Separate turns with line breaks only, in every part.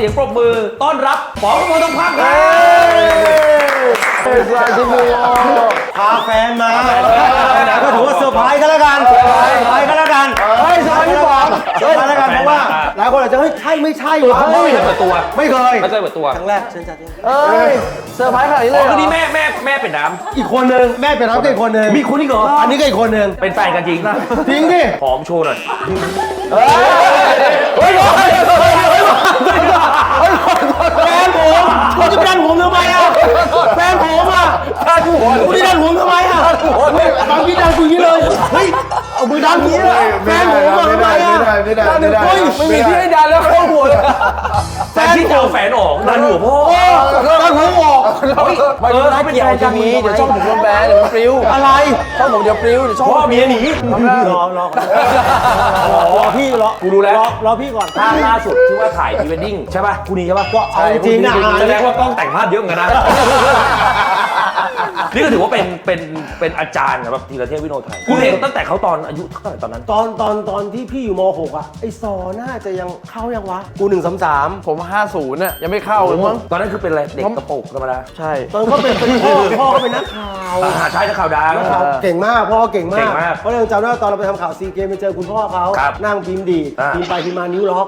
สียงปรบมือต้อนรับป๋องกมลทองพักครับ
พาแฟนมาก็ถือว่าเซอร์ไพรส์กันแล้วกันเซอร์ไพรส์กันแล้วกันเฮ้ยเซอร์ไพรส์พี่ป๋องเซอร์ไพรส์แล้วกันเพราะว่าหลายคนอาจจะเฮ้ยใช่ไม่ใช่วะ
ไม่เคยเปิดตัว
ไม่เคย
เปิดตัว
ครั้งแรกเชิญจัดเ
เซอร์ไพรส์ขนาดนี้เลย
คือนี่แม่เป็นน้
อีกคนนึงแม่เป็นน้องอีกคนนึง
ำมีคุณอีกเหรอ
อันนี้ก็อีกคนนึง
เป็นแฟนกันจริง
จริงดิ
หอมโชว์หน่อย
เฮ้ยแฟนผมคุณจะไปดันผมทำไมอ่ะแฟนผมอ่ะคุณจะดันผมทำไมอ่ะบางทีดันกูอย่างนี้เลยเฮ้ยเอามือดันอย่างนี้เลยแฟนผมอ่ะทำไมอ่ะไม่ได้
ไม่มีที่ให้ดันแล้วเข้าหัวเลย
แฟนที่จะเอาแฟนออกดันหัวพ่อ
ดันผมออก
ไม่เกี่ยวจะมีเดี๋ยวช่องผมโดนแบนเดี๋ยวมันปลิว
อะไร
ช่องผมเดี๋ยวปลิวเดี๋ยวช่อง
พ่อเมียหนี
รอพี่รอ
กูรู้แล้ว
รอพี่ก่อน
ภาพล่าสุดที่ว่าถ่ายพรีเวดดิ้งใช่ป่ะคู่นี้ใช่ป่ะ
ก็เอาจริงนะ
แสดงว่ากล้องแต่งภาพเยอะเหมือนกันนะนี่ก็ถือว่าเป็นอาจารย์แบบธีรเทพวิโนไทยคุณเห็นตั้งแต่เขาตอนอายุเท่าไหร่ตอนนั้น
ตอนที่พี่อยู่ม .6 อ่ะไอซอน่าจะยังเข้ายังวะกู133
ผม50น่ะยังไม่เข้าเลยมั้ง
ตอนนั้นคือเป็นอะไรเด็กกระโปรงธรรมดา
ใช่
ตอนเขาเป็นพ่อก็เป็นนักข่าว
ใช่นักข่าวดัง
เก่งมากพ่อเก่งมา
เก่
ก
งมาก
เพราะเราจำได้ว่าตอนเราไปทำข่าวซีเกมไปเจอคุณพ่อเขา
ครับ
นั่งพิมพ์ดีด
อ่า
พิมพ์ไปพิมพ์มานิ้วล็อก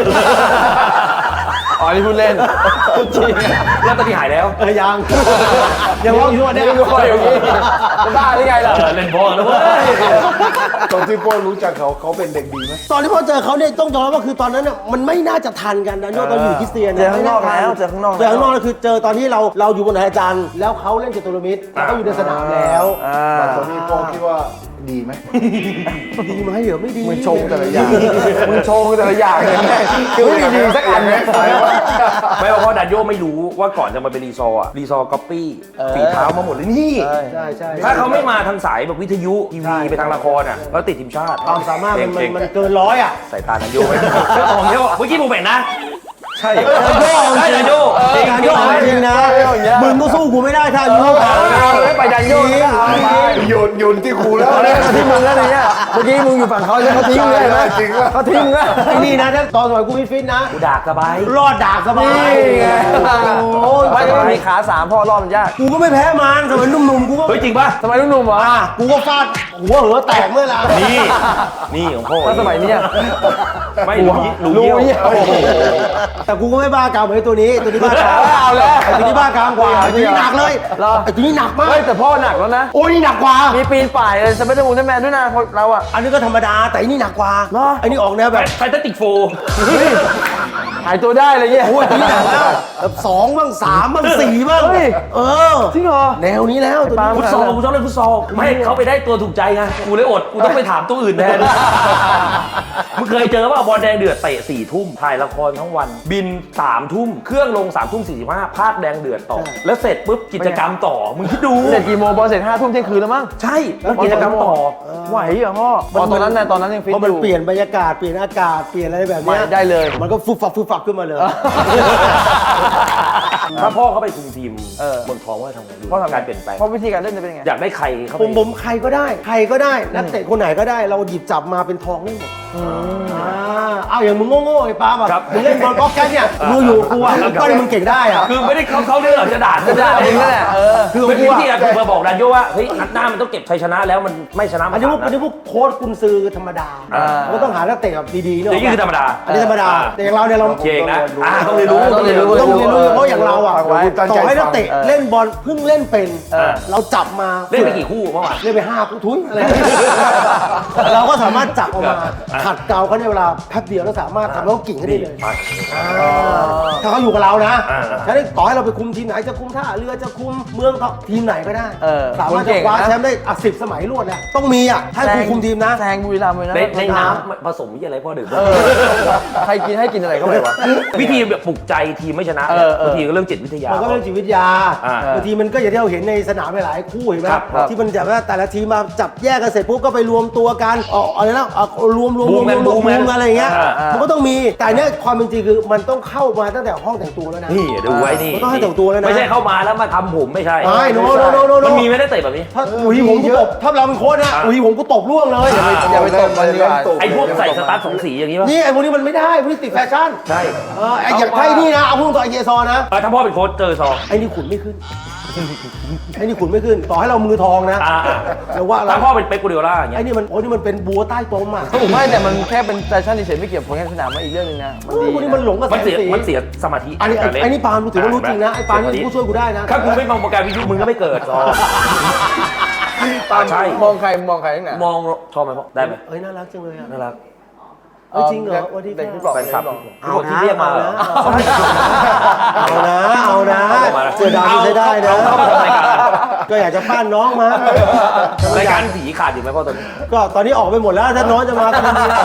อ๋อนี่พูดเล่นพูดจริง
แล้วตอนนี้หายแล้ว
ยังล็อกอยู่เนี่ย
ไม่รู้อย่างนี้จะบ้าหรือไงล่ะ
เล่นบอลแล้วเว้ย
ตอนที่พ่อรู้จักเขาเป็นเด็กดีไหม
ตอนที่พ่อเจอเขาเนี่ยต้องยอมรับว่าคือตอนนั้นน่ะมันไม่น่าจะทันกันนะโยตอนอยู่คริสเตียน
เจอข้างนอกแล้วเจอข้างนอก
เจอข้างนอกแล้วคือเจอตอนที่เราอยู่บนไหนอาจารย์แล้วเขาเล่นจตุรมิตรแล้วก็อยู่ในสนามแล้ว
ตอนนี้พ่อคิดว่าดีไหม
ดีไหมเหรอไม่ดี
มึงชงแต่ละอย่างมึงชงแต่ละอย่างเลยคือไม่มีดีสักอันเลย
ไม่เพราะดันโยไม่รู้ว่าก่อนจะมาเป็นรีซอร์รีซอร์ก๊อปปี้ฝีเท้ามาหมดเลยนี่
ใช่
ถ้าเขาไม่มาทางสายแบบวิทยุทีวีไปทางละครอ่ะแล้วติดทีมชาติ
ความสามารถมัน
เก่ง
เกินร้อยอ่ะ
สายตาดันโยไหมของเยอะเมื่อกี้ผมเห็นนะ ใช่
ใช่ดันโย
จริง
ดันโยจริงนะมึงก็สู้กูไม่ได้ถ้าอายุเท่ากัน
ไม่ไปดันโยนก็เอาไป
โยนที่ครูแล้ว
เขาทิ้งมึงแล้วเนี่ยเมื่อกี้มึงอยู่ฝั่งเขาแล้วเขาทิ้งเลยนะ
จริงว่า
เขาทิ้งแล้ว
ไอ้นี่นะถ้าตอนสมัยกูฟิตนะ
กูดากสบาย
รอดดากสบาย
นี่ไง
โอ้ย
ไม่ได้มีขา3พ่อรอบมันยาก
กูก็ไม่แพ้มันสมัยหนุ่มๆกูก็
เฮ้ยจริงป่ะ
สมัยหนุ่มๆเหรอ
กูก็ฟาดหัวเหอแตกเมื่อไหร่
นี่ของพ่อ
ถ้าสมัยนี้
ไม่รู้เยี่ยว
แต่กูก็ไม่บ้ากามเหมือนตัวนี้บ้ากาม
เอาแล้ว
ไอ้ตัวนี้บ้ากามกว่าไอ้ตัวนี้หนักเลยไอ้ตัวนี้หนักมาก
เฮ้ยแต่พ่อหนักแล้วนะ
โอ้ยนี่หนักกว่า
มีปีนป่ายเลยสไปเดอร์มูนแมนด้วยนะเราอะ
อันนี้ก็ธรรมดาแต่อันนี้หนักกว่าไอ้นี่ออกแนวแบบ
ไฟตติกโฟ
หายตัวได้เลยเนี่ย
โอ้ยอันนี้หนักแล้วแบบ2บ้าง3บ้าง4บ้าง
เฮ้ย จริงเหรอ
แนวนี้แล้วตัวนี้
ฟุตซอลกูชอบเล่นฟุตซอลไม่ให้เขาไปได้ตัวถูกใจไงกูเลยอดกูต้องไปถามตัวอื่นแทนมึงเคยเจอป่ะบอลแดงเดือดเตะ4 ทุ่มถ่ายละครทั้งวัน บิน3 ทุ่มเครื่องลง3 ทุ่ม 45ภาคแดงเดือดต่อแล้วเสร็จปุ๊บกิจกรรมต่อมึงคิดดู
เสร็จกี่โมงบอลเสร็จ5 ทุ่มเที่ยงคืนแล้วมั้ง
ใช่แล้วกิจกรรมต่อ
ไหวเหรอพ่อตอนนั้นยังฟิต
เพราะ
อ
มัน
ยู่
เปลี่ยนบรรยากาศเปลี่ยนอากาศเปลี่ยนอะไรแบบเนี้ย
ได้เลย
มันก็ฟุบฟับขึ้นมาเลย
ถ้าพ่อเขาไปคุมทีมเมืองทองว่าทำไงดู
พ่อทำ
การเปลี่ยนแปลง
เพราะวิธีการเล่นจะเป็นยังไง
อยากได้ใครเข้าไป
ผมใครก็ได้นักเตะคนไหนก็ได้เราหยิบจับมาเป็นทองได้หมดเอาอย่างมึงโง่ๆไอ้ป้าแบบมึงเล่นบอลก๊อกแก๊กเนี่ยมึงอยู่กูอ่ะก็ได้มึงเก่งได้อ่ะ
คือไม่ได้เขาเรื่องหรอกจะด่า
จะด่าเองนั่นแหละ
คือเป็นวิธีการกูมาบอกดันโยว่าเฮ้ยนัดหน้ามันต้องเก็บชัยชนะแล้วมันไม่ชนะ
อันนี้พวกโค้ชกุนซือธรรมดาเราต้องหานักเตะแบบดีๆเนอะ
อย่างนี้คือธรรมดา
อันนี้ธรรมดาแต่อย่างเราเนี่ยเรา
เก่งนะต้องเรียนรู้
ต้องเรียนรู้
เพราะอย่างเราอ่ะต่อให้นักเตะเล่นบอลเพิ่งเล่นเป็นเราจับมา
เล่นไปกี่คู่เมื่อวาน
เล่นไป5คู่ทุยอะไรเราก็สามารถจับออกมาขัดเกลาเขาในเวลาแป๊บเดียวแล้วสามารถทำให้เขากิ่งขึ้นได้เลยถ้าเขาอยู่กับเรานะฉะนั้นต่อให้เราไปคุมทีมไหนจะคุมท่าเรือจะคุมเมืองทีมไหนก็ได้สามารถจะคว้าแชมป์ได้10 สมัยรวดแล้วต้องมีอ่ะถ้ากูคุมทีมนะ
แซงบุรีรัมย์เลยนะ
ในน้ำผสมอะไรพ่อดื่ม
ใครกินให้กินอะไรเข้าไปวะ
วิธีแบบปลุกใจทีมไม่ชนะบางทีก็เรื่องจิตวิทยา
มันก็เป็นจิตวิทยาบางทีมันก็อย่างที่เราเห็นในสนามหลายๆคู่เห็นไหมที่มันแบบว่าแต่ละทีมมาจับแยกกันเสร็จปุ๊บก็ไปรวมตัวกันอะไรนะรวมอะไรอย่างเงี้ยมันก็ต้องมีแต่เนี้ยความเป็นจริงคือมันต้องเข้ามาตั้งแต่ห้องแต่งตัวแล้วนะ
นี่ดูไว้นี่
มันต้องให้แต่งตัวแล้วนะ
ไม่ใช่เข้ามาแล้วมาทำผมไม่ใช่
โน
มันมีไม่ได้เตะแบบนี้
ถ้าอุ๋ยผมกูตบถ้าเราเป็นโค้ชนะอุ๋ยผมกูตบล่วงเลย
อย่าไปตบมันดีกว่า
ไอ้พวกใส่สตาร์ทสองสีอย่างนี้ป่ะ
นี่ไอ้พวกนี้มันไม่ได้พวกนี้ติดแฟชั่น
ใช่
ไอ้อย่างไทยนี่นะเอาพุ่งต่อไอเจซอนะ
ถ้าพ่อเป็นโค้ชเจอซอง
ไอ้นี่ขุนไม่ขึ้นไอ้นี่ขุนไม่ขึ้นต่อให้เรามือทองนะแต่ว่า
ถ้าพ่อเป็นเป๊กกูเดียร่าอย่างเงี้
ไอ้
ย
นี่มันเป็นบัวใต้ตมอ่ะ
ไม่แต่มันแค่เป็นแฟชั่นเฉยๆไม่เกี่ยวกับผลงานสนามมาอีกเรื่องนึงนะมันดี
พวกนี้มันหลงกับแส
มัน
ง
เสีย
สี
มันเสียสมาธิ
อันนี้
การเล่น
ไอ้นี่ปาล์มกูถือว่ารู้จริงนะไอ้ปาล์มนี่กูช่วยกูได้นะ
ถ้ากูไม่มองโปรแกรมวิทยุมึงก็ไม่เกิดซองใช่
มองใครทั้งไหน
มองชอบไหมพ่อได้ไหม
เอ้ยน่ารักจังเลยอ่ะ
น่ารัก
จริงเหรอวันที่
เด็กที่บอก
แฟนคลับ
เอา
ที่เรียกมาเหรอ
เอานะเสือดำใช้ได้นะ
เข้ามาทำรายการ
ก็อยากจะปั้นน้องมา
รายการผีขาดอยู่ไหมพ่อตอนนี้
ก็ตอนนี้ออกไปหมดแล้วถ้าน้องจะมาก็ดีนะ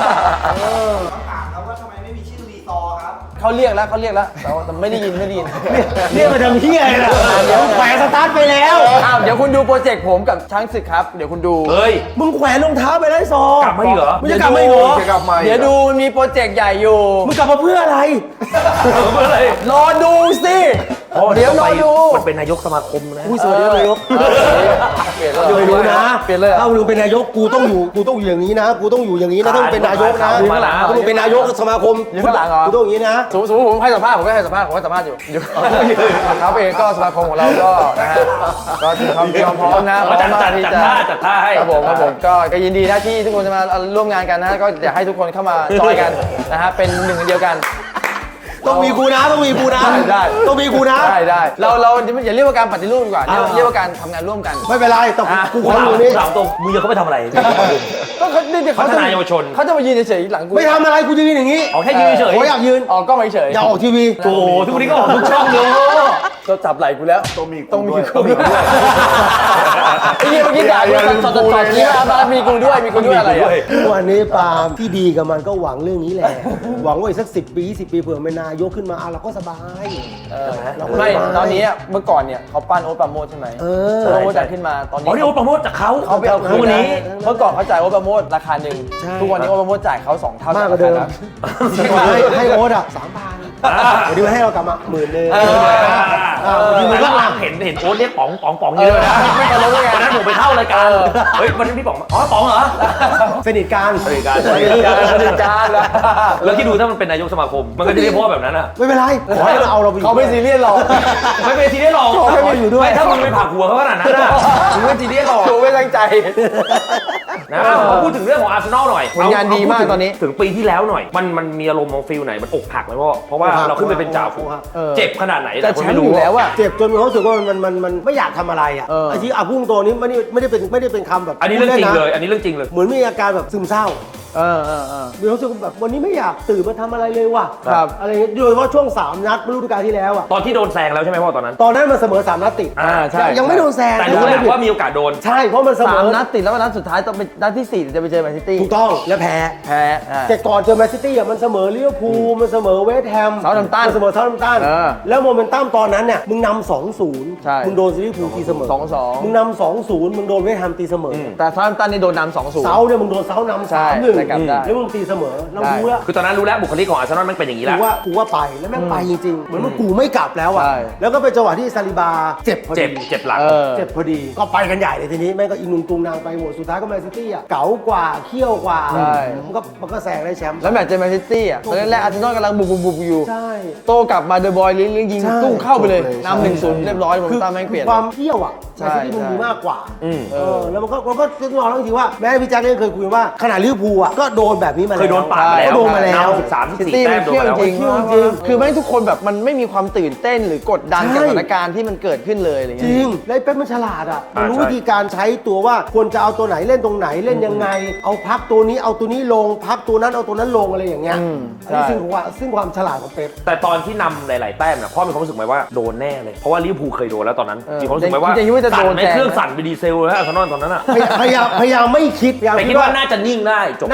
เขาเรียกแล้วแต่ไม่ได้ยิน
เรียกมาทำเฮียเลยนะเดี๋ยวแขวนสตาร์ทไปแล้ว
เดี๋ยวคุณดูโปรเจกต์ผมกับช้างศึกครับเดี๋ยวคุณดู
เฮ้ย
มึงแขวนรองเท้าไปแล้วซอก
ลับมาอีกเหรอ
มึงจะกลับมาอีกเหรอ
จะกลับมา
เดี๋ยวดูมันมีโปรเจกต์ใหญ่อยู่
มึงกลับมาเพื่ออะไร
เมื่อไร
รอดูสิ เดี๋ยวรอดู
มันเป็นนายกสมาคมนะ
อุ้ยสวัสดีนายก
เปลี่ยนแล้ว
เดี๋ยวไปดูนะ
เปลี่ยนเลย
ถ้ามึงเป็นนายกกูต้องอยู่อย่างนี้นะกูต้องอยู่อย่างนี้นะถ้ามึงเป็นนายกนะ
มาแล้ว
ถ้ามึงเป็นนายกสมาคม
อยู่ข้างหลังเหรอ
กูต้องอย่างนี้นะ
สมมติผมให้สัมภาษณ์ผมก็ให้สัมภาษณ์อยู่เขาเองก็สมาคมของเราก็นะฮะก็มีความพร้อมนะพร้อมมากที่จะ
จัดท่าให้
ครับผมก็ยินดีนะที่ทุกคนจะมาร่วมงานกันนะฮะก็อยากให้ทุกคนเข้ามาจอยกันนะฮะเป็นหนึ่งเดียวกัน
ต้องมีกูนะต้องมีกูนะ
ได้
ต้องมีกูนะ
ได้เราอย่าเรียกว่าการปฏิรูปดีกว่าเรียกว่าการทำงานร่วมกัน
ไม่เป็นไรแต่กูขออยู่นี่
ถามตรงมึงจะเขาไปทำอะไร
ก็เขา
พัฒนาเยาวชน
เขาจะมายืนเฉยๆหลังกู
ไม่ทำอะไรกูยืนอย่างนี้
ออกแค่ยืนเฉย
ขออยากยืน
ออกกล้องเฉย
อยากออกทีวี
โอ้โหทุกวันนี้ก็ออกทุกช่องเลย
ก็จับไหล่กูแล้ว
ต้องมี
ต้องมี
ด้วย
กูด้วยไอ้เหี้ยเมื่อกี้ด่ากูสดๆนี่มามีกูด้วยอะไรอ่ะ
วันนี้ปาล์มที่ดีกับมันก็หวังเรื่องนี้แหละ หวังว่าอีกสัก10 ปี20 ปีเผื่อเป็นนายกขึ้นมาเราก็สบาย เราก็
ไม่
สบาย
ตอนนี้เมื่อก่อนเนี่ยเขาปั้นโอ๊ตปราโมชใช่ไหม
เออ
โอ๊ตปราโมชจ่ายขึ้นมาตอน
อ๋อ
นี้
นี่โอ๊ตประโมทจากเขา
เขาไปเอาคืน
วันนี้
เมื่อก่อนเขาจ่ายโอ๊ตปราโมชราคาหนึ่ง
ใช่
ทุกวันนี้โอ๊ตปราโมชจ่ายเขา2 เท่าม
ากกว่าเดิม
แล้ว
ให้โอ๊ตอ่ะ3,000เดี๋ยวนี้ให้เรากลับมา10,000
ทีมึงก็เห็นโอ๊ตเรียกป๋องเยอะนะ
ไม่ตลกเลยไง
วันนั้นผมไปเข้ารายการเฮ้ยวันนี้พี่ป๋องอ๋อป๋องเหรอ
สนิทกัน
สนิทกัน
สนิทกันแล้ว
แล้วคิดดูถ้ามันเป็นนายกสมาคมมันก็จะได้พ่อแบบนั้นอ่ะ
ไม่เป็นไรขอให้เราเอาเราไปอยู่
เขาไม่ซีเรียสหรอก
ไม่เป็นทีได้หรอก
ขอให้มาอยู่ด้วย
ไม่ถ้ามึงไปผักหัวเขาขนาดนั้นอ่ะมึงไม่ทีได้หรอก
กูไม่ตั้งใจ
นะมาพูดถึงเรื่องของอาร์เซนอลหน่อย
ผลงานดีมากตอนนี้
ถึงปีที่แล้วหน่อยมันมีอารมณ์ของฟิลไหนมันอกหักไหมพ่อเพราะว่าเราขึ้นไปเป็นจ่าฝูงเจ็บขนาดไหน
แต่
คน
แชม
ไม่
ป์
รู้
อยู่แล้วอะ
เจ็บจนเขารู้สึกว่ามันไม่อยากทำอะไรอ่ะ
เออ
ไอ้ที่พุ่งตัวนี้ไม่ได้เป็นคำแบบ
อันนี้เรื่องจริง
พูด
เล
นะ
ยอันนี้เรื่องจริงเลย
เหมือนมีอาการแบบซึมเศร้า
เออ
มีความรู้สึกแบบวันนี้ไม่อยากตื่นมาทำอะไรเลยว่ะ
ครับ
อะไรเงี้ยโดยเฉพาะช่วง3 นัดฤดูกาลที่แล้วอ่ะ
ตอนที่โดนแซงแล้วใช่ไหมพ่อตอนนั้น
ตอนนั้นมันเสมอ3 นัดติด
ใช่
ยังไม่โดนแซง
แต่รู้แหละว่ามีโอกาสโดน
ใช่เพราะมันเสมอ
3 นัดติดแล้วนัดสุดท้ายต้องเป็นนัดที่ 4 จะไปเจอแมนซิตี้
ถูกต้องและแพ้
แพ้
แต่ก่อนเจอแมนซิตี้อ่ะมันเสมอลิเวอร์พูลมันเสมอเวสต์แฮม
Southampton
มันเสมอเซาท์แฮมป์ตัน
เออ
แล้วโมเมนตัมตอนนั้นเนี่ยมึงนำ 2-0
ใช่
มึงโดนลิเวอร์พูลตีเสมอ
2-2
มึงนำ 2-0 มึงโดนเวสต์แฮมตีเสมอ
แต่ซาร์ตันนี่โดนนำ 2-0
เซาเนี่ยมึงโดนเซานำ
ใช่
3-1
ได้กลับได้
แล้วมึงตีเสมอเรารู้แล้ว
คือตอนนั้นรู้แล้วบุคลิกของอาร์เซนอลมันเป็นอย่างนี้แหละ
กูว่าไปแล้วแม่งไปจริงๆ เหมือนว่ากูไม่กลับแล้วอ่ะ
ใช่
แล้วก็เป็นจังหวะที่ซาลิบาเจ็บพอดี
เจ็บหลัง
เจ็บพอดีก็ไปกันใหญ่เลยทีนี้แม่งก็อินุงตุงนางไปหมดสุดท้ายก็แมนซิตี้อ่ะเก๋ากว่าเขี้ยวกว่า
ใช่
มันก็แซงได้แชมป์
แล้วแมตช์เจอแมนซิตี้อ่ะตอนแรกอาร์เซนอลกำลังบุกอยู่
ใช่
โตกลับมาเดอะบอยยิง
ใช่
ตุ้งเข้าไปเลย
ใช่
นำ 1-0 เรียบร้อยผมตามแม่งเปลี่ยน
ความเขี้ยวอ่ะ
ใช่
แมนซิตี้มันมีมากกว่า
เออ
แล้วมันก็ต้องยอมรับจริงๆว่าแม้พี่แจ็คเนี่ยเคยคุยว่าขนาดลิเวอร์พูลอ่ะก็โดนแบบนี้มาแล้ว
เคยโดนปาดมาแล้ว
ก็โดนมาแล้ว
13
ซิ
14
ตี้
แต้
มัน
มโดน
เที่ยว
มาแล้ว
จริง
เที่ยวจริง
คือแม่งทุกคนแบบมันไม่มีความตื่นเต้นหรือกดดัน
ใช่
กับสถานการณ์ที่มันเกิดขึ้นเลยอะไร
จ
เงี้
ริ
ย
งแล้วไอ้เป๊ปมันฉลาดอ่ะมันรู้
ใช่
วิธีการใช้ตัวว่าควรจะเอาตัวไหนเล่นตรงไหนเล่นยังไง เอาพักตัวนี้เอาตัวนี้ลงพักตัวนั้นเอาตัวนั้นลงอะไรอย่างเงี้ย
ใช่
อันนี้ซึ่งความฉลาดของเป๊ป
แต่ตอนที่นำหลาย ๆ แต้มนะพ่อมีความรู้สึกไหมว่าโดนแน่เลย เพราะว่าลิเวอร์พูลเคยโดนแล้วตอนนั้นมีความรู้สึกไหมว่า
จริงๆว่าจะโด
สั่น
น
ไม่
แซง
เครื่องสั่นไปดีเซลแล้วอาร์เซนอลตอนนั้นอ่ะ
พยายามไม่คิดพยายาม
แต่คิดว่าน่าจะนิ่งได้จบ
น่า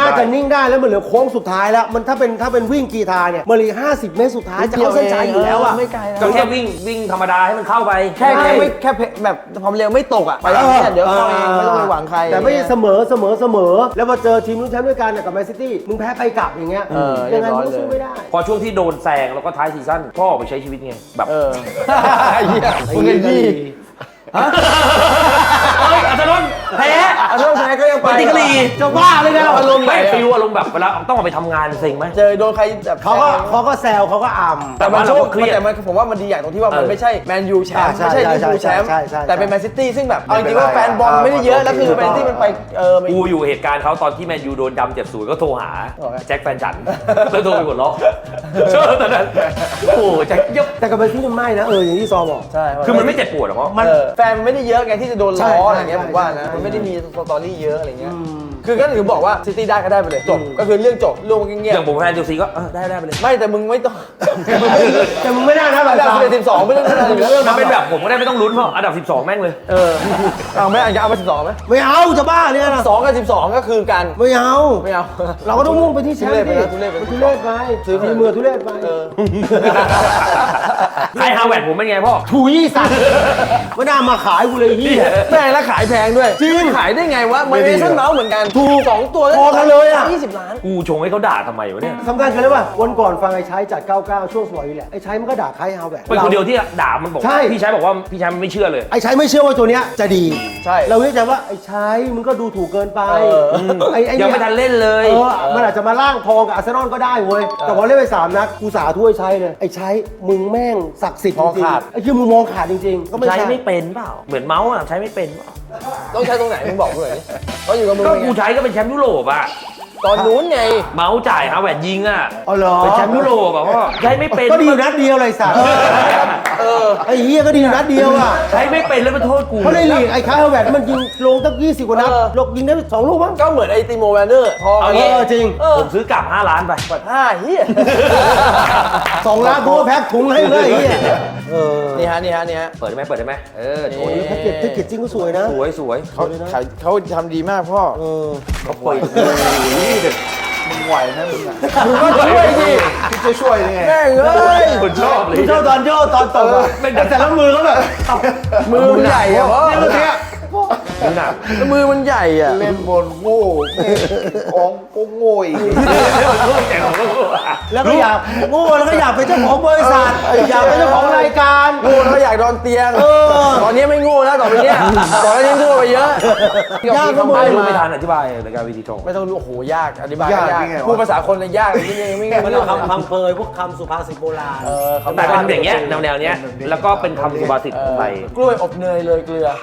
าจะนิ่งได้แล้วมันเหลือโค้งสุดท้ายแล้วมันถ้าเป็นวิ่งกีฬาเนี่ยมันเหลือ50 เมตรสุดท้ายจะเข้าเส้นชัยอยู่แล้วอ่ะ
ไม่ไกลนะ
ก็แค่วิ่งธรรมดาให้มันเข้าไป
แค่แบบความเร็วไม่ตกอ่ะไปอย่างนี้เดี๋ยวเข้าเองไม่ต้องไปหวังใคร
แต่ไม่เสมอแล้วมาเจอทีมลุ้นแชมป์ด้วยกันกับแมนซิตี้มึงแพ้ไปกลับอย่างเงี้ยยังไงมึงก็สู้ไม่ได้
พอช่วงที่โดนแซงแล้วก็ท้ายซีซั่นก็ออกไปใช้ชีวิตไงแบบ
เหี้ยมึงเงินยี่
เฮ้ยอาจารย์นนท์แพ้
โทษแพ้ก็ยังไป
ปฏิกิริ
จะบ้าเลยนะ
อารมณ์ไหน
ไม่ฟิวอารมณ์แบบเวลาต้องออกไปทำงานเซ็งไหม
เจอโดนใครแบบ
เขาก็แซวเขาก็อ่ำ
แต่มันโชค
เครียด
แต่มันผมว่ามันดีอย่างตรงที่ว่ามันไม่ใช่แมนยูแชมป์ไม่ใช่ลิเวอร์พูลแชมป์แต่เป็นแมนซิตี้ซึ่งแบบเอาจริงๆว่าแฟนบอลไม่ได้เยอะแล้วคือแมนซิตี้มันไป
กูอยู่เหตุการณ์เขาตอนที่แมนยูโดนดำ7-0ก็โทรหาแจ็คแฟนฉันแล้วโทรไปหัวเราะเชื่อตอนนั้นโอ้แจ็คยก
แต่กับแมนซิตี้ไม่นะอย่างที่ซอบอก
ใช่
คือมันไม่เจ็บปวดหรอ
มันแฟนไม่ได้เยอะไงที่จะโดนล้ออะไรเงี้ย
ใช่
ผมว่านะมันไม่ได้มีสตอรี่เยอะอะไรเงี้ยคือก็ถึงบอกว่าซิตี้ได้ก็ได้ไปเลยจบก็คือเรื่องจบเรื่องเงียบ
อย่างผมแฟนเชลซีก็ได้ไปเลย
ไม่แต่มึงไม่ต้อง
แต่มึงไม่ได้นะ
อันดับ12ไม่ต้องอะไรอยู่แล้ว
มันเป็นแบบผมก็ได้ไม่ต้องลุ้นเพราะอันดับ12แม่งเลย
เอาไม่เอามา12ไหม
ไม่เอาจะบ้าเนี่ยนะ
2กับ12ก็คือกัน
ไม่เอา
ไม่เอา
เราก็ต้องมุ่งไปที่แชมป์ดิ
ทุเรศไปนะ
ทุเรศไปถือฝีมือทุเรศไป
ไอ้ฮาวเวิร์ดผมเป็นไงพ่อ
ถุยสัตว์ไม่น่ามาขายกูเลยพี่
แม่งแล้วขายแพงด้วย
จริง
ขายได้ไงวะมันเอเซนเมาส์เหมือนกัน
ถูก
2 ตัว
พอกันเลยอะ
20 ล้าน
กูชงให้เขาด่าทำไมวะเนี่ย
สำคัญกันเลยว่าวันก่อนฟังไอ้ใช้จัด 99 ช่วงสมัยนี้แหละไอ้ใช้มันก็ด่าใครเอาแบบ
เป็นคนเดียวที่ด่ามันบอก
ใช่
พี่ชายบอกว่าพี่ชายมันไม่เชื่อเลย
ไอ้ใช้ไม่เชื่อว่าตัวเนี้ยจะดี
ใช่
เราเรียกใจว่าไอ้ใช้มึงก็ดูถูกเกินไปไอ้
ยังไม่ทันเล่นเลย
มันอาจจะมาล่างทองกับอาร์เซนอลก็ได้เว้ยแต่พอเล่นไป3 นัดกูสาถ้วยใช้เลยไอ้ใช้มึงแม่งศักดิ์สิทธิ์จริงๆไอ้คือมึงมองขาดจริงๆ ก็ไม่
ใช้
ใช่
ไม่เป็นเปล่า เหมือนเมาส์อ่ะใช้ไม่เป็นเปล่า
ต้องใช้ตรงไหนมึงบอกกูหน่อยดิเขาอยู่กับมึง
ก็
ไง
กูใช้ก็เป็นแชมป์ยุโรปอ่ะ
ตอนนู้นไง
เมาส์จ่ายฮาวเวิร์ดยิงอ่ะ
อ๋อเหรอ
เป็นแชมป์ยุโรปอ่ะพ่อใช้ไม่เป็น
ก็ดีอยู่นัดเดียวเลยสัตว์ไอ้เฮียก็ดีอยู่นัดเดียวอ่ะ
ใช้ไม่เป็นแล้วมาโทษกู
เพราะในลีกไอ้คาร์เฮลแวตมันยิงลงตั้ง20 กว่านัดลงยิงได้2 ลูกมั้ง
ก็เหมือนไอ้ติโมแวนเนอร์ทอง
เอางี้
จริง
ผมซื้อกลับ5 ล้านไป
5เฮีย
2 ล้านกูก็แพ็คถุงให้เลยไอ้เฮีย
นี่ฮะ
เปิดได้ไหมโชว์
โอ้ย
ดิ
แพ็กเกจจริงก็สวยนะ
สวย
เขาทำดีมากพ่อ
เขาเปิด
มึงไหวไหมมึงอ่ะ
มึงก็ช่วยดิ
พี่จะช่วยยังไง
แม่งเอ้ย
คนชอบเลย
กูชอบตอนโยกตอนตบอะแต่ละมือเขาแบบ
มือมันใหญ่อะพ่อ
เนี่ยเมื่อกี้
ดูหนัก
แล้วมือมันใหญ่อะ
เล่นบนโง่องก็โง่อีก
แล้วก็อยากโง่แล้วก็อยากเป็นเจ้าของบริษัทอยากเป็นเจ้าของรายการ
โง่แล้วก็อยากนอนเตียงตอนนี้ไม่โง่แล้วต่อไปเนี้ยตอนนี้โง่ไปเยอะ
ยากก็มื
ไม่
อ
รู้ไม่ทันอธิบายรายการวีทีทอง
ไม่ต้องรู้โอ้โหยากอธิบายยากพูดภาษาคนเลยยากเลยนี่ยังไม่
มันเอาคำเพยพวกคำสุภาษิตโบราณ
แต่เป็นอย่างเงี้ยแนวเนี้ยแล้วก็เป็นคำสุภาษิตไทย
กล้วยอบเนยเลยเกลือ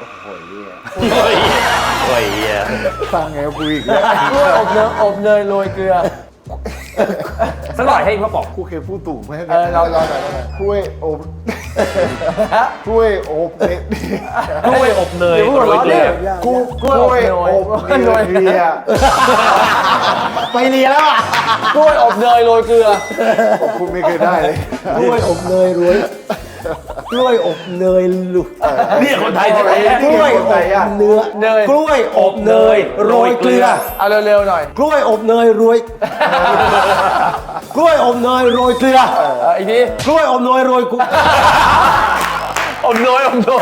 โอ้ยเหี้ย
ฟังไงกูอีกแล้ว
กล้วยอบเนยโรยเกลือ
สักหน่อยให้พ่อบอก
กูเคยพูดถูกไหม
เราหน่อย
ถ้วยอบถ้วยอบเนี่ย
กล้วยอบเนยโรยเกลือ
กูก
ก
ล้วย
ล้
อ
วย
บ
อบ
เนย
เนยเรีย
ไปเรียนแล้วอ่ะ
กล้วยอบเนยโรยเกลือ
คุณไม่เคยได้เลย
กล้วยอบเนยรวยกล้วยอบเนยลุก
เนี่ยคนไทยแท้
กล้วยอบเนื้อ
เนย
กล้วยอบเนยโรยเกลือ
เอาเร็วๆหน่อย
กล้วยอบเนยรวยกล้วยอบเนยโรยเกลือ
อีกที
กล้วยอบเนยโรยกุ
อบเนย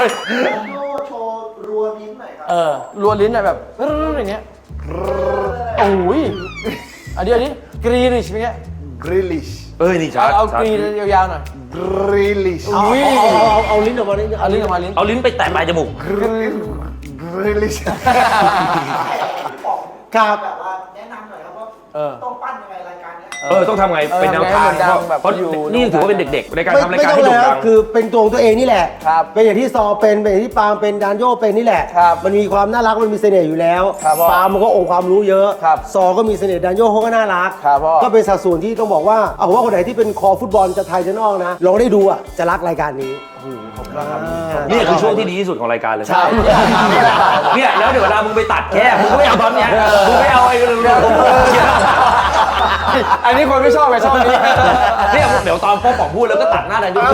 รัวลิ้นหน่อยแบบอย่างเงี้ยโอ้ยอันนี้กรีริชเป็นไง
กริลิช
นี่ชัด
เอากรียาวๆหน่อย
กริลิช
เอาลิ้นออกมาลิ้น
เอาลิ้นออกมาลิ้น
เอาลิ้นไปแตะปลายจมูก
กริลิช
ครับ
ต้องทำไงเป็นแนวทางเพราะนี่ถือว่าเป็นเด็กๆในการทำรายการให้โด่งดัง
คือเป็นตัวของตัวเองนี่แหละ
ครับ
เป็นอย่างที่ซอเป็นอย่างที่ปาล์มเป็นดานโยเป็นนี่แหละ
ครับ
มันมีความน่ารักมันมีเสน่ห์อยู่แล้ว
ครับพ่อ
ปาล์มมันก็องค์ความรู้เยอะ
ครับ
ซอก็มีเสน่ห์ดานโยเขาก็น่ารัก
ครับพ่อ
ก็เป็นสัดส่วนที่ต้องบอกว่าเอาว่าคนไหนที่เป็นคอฟุตบอลจะไทยจะนอกนะลองได้ดูอ่ะจะรักรายการนี้อ่า
นี่คือช่วงที่ดีที่สุดของรายการเลย
ใช่
เนี่ยแล้วเดี๋ยวเวลามึงไปตัดแค่มึงก็ไม่เอาตอนเนี้ยมึงไม่เอาไอ้
อันนี้คนไม่ชอบไงชอบนี้
เนี่ยเดี๋ยวตอนพ่อป๋องพูดแล้วก็ตัดหน้าดันยู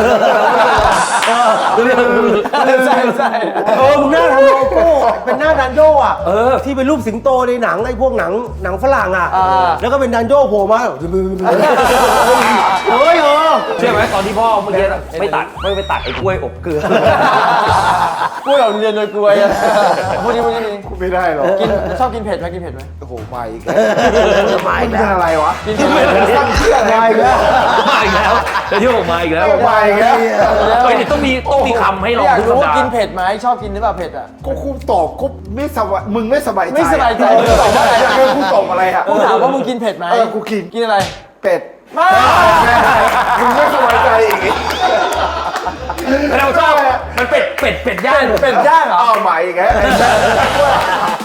ใช่ใช่
มึงหน้าทำโลโก้เป็นหน้าดันโยอ่ะที่เป็นรูปสิงโตในหนังไอ้พวกหนังฝรั่งอ่ะแล้วก็เป็นดันโยโผล่มาเฮ้ย
เชื่อไหมตอนที่พ่อเมื่อกี้ไม่ไปตัดไอ้กล้วยอบเกลือ
พูดแบบเรียนโดยกลวยอะพูดดีพูดดี
ไม่ได้หรอก
กินชอบกินเผ็ดไหมกินเผ็ดไหม
โอ้โหมาอีกแล้วมาอีกแล้วอะไรวะ
กินเผ็ดไหม
มาอีกแล้ว
มาอีกแล้วจะเที่ยวออกมาอีกแล้ว
มาอีกแล้ว
เฮ้ยต้องมีคำให้ลอง
อยาก
ทุก
รู้
สัป
ว่า
ดา
กิน
ห์
เผ็ดไหมชอบกินหรือเปล่าเผ็ดอ่ะ
ก็คุณตอบก็ไม่สบายมึงไม่สบายใจ
ไม่สบายใจ
มึงตอบว่าอะไรอะกูตอบอะไรอะ
กูถามว่ามึงกินเผ็ดไหม
กูกิน
กินอะไร
เป็ด
มา
มึงไม่สบายใจอีก
เราชอบมันเป็ดย่าง
เป็ดย่างเหรอ
อ้าวมาอีกแล้ว